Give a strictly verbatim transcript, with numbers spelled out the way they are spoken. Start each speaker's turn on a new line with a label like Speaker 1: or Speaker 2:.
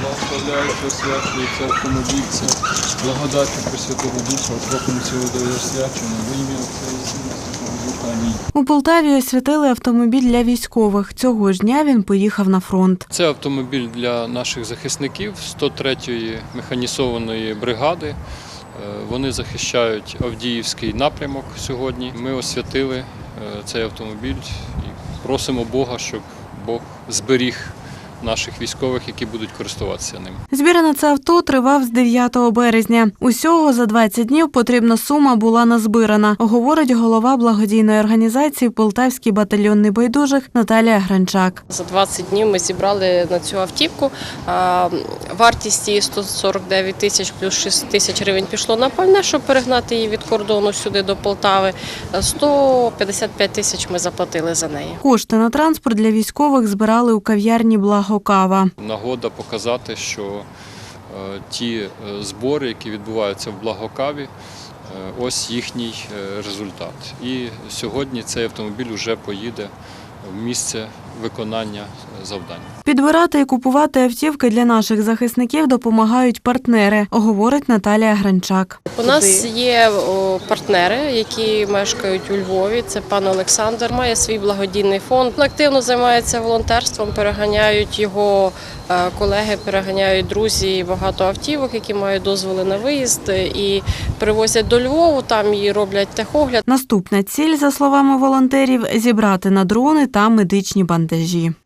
Speaker 1: Благословляючи, освячується автомобіль, це благодаттю Пресвятого Духа, окропом цього дає освячення, во ім'я Отця і Сина і Святого Духа. Амінь.
Speaker 2: У Полтаві освятили автомобіль для військових. Цього ж дня він поїхав на фронт.
Speaker 1: Це автомобіль для наших захисників сто третьої механізованої бригади. Вони захищають Авдіївський напрямок сьогодні. Ми освятили цей автомобіль і просимо Бога, щоб Бог зберіг наших військових, які будуть користуватися ним.
Speaker 2: Збір на це авто тривав з дев'ятого березня. Усього за двадцять днів потрібна сума була назбирана, говорить голова благодійної організації «Полтавський батальйон небайдужих» Наталія Гранчак.
Speaker 3: За двадцять днів ми зібрали на цю автівку. Вартість її сто сорок дев'ять тисяч плюс шість тисяч гривень пішло на пальне, щоб перегнати її від кордону сюди до Полтави. сто п'ятдесят п'ять тисяч ми заплатили за неї.
Speaker 2: Кошти на транспорт для військових збирали у кав'ярні «Благо Кава».
Speaker 1: Нагода показати, що е, ті е, збори, які відбуваються в Благокаві, е, ось їхній е, результат. І сьогодні цей автомобіль вже поїде в місце виконання завдань.
Speaker 2: Підбирати і купувати автівки для наших захисників допомагають партнери, говорить Наталія Гранчак.
Speaker 3: У нас є партнери, які мешкають у Львові. Це пан Олександр, має свій благодійний фонд. Активно займається волонтерством, переганяють його колеги, переганяють друзі багато автівок, які мають дозволи на виїзд, і привозять до Львову, там і роблять техогляд.
Speaker 2: Наступна ціль, за словами волонтерів, зібрати на дрони та медичні бандажі.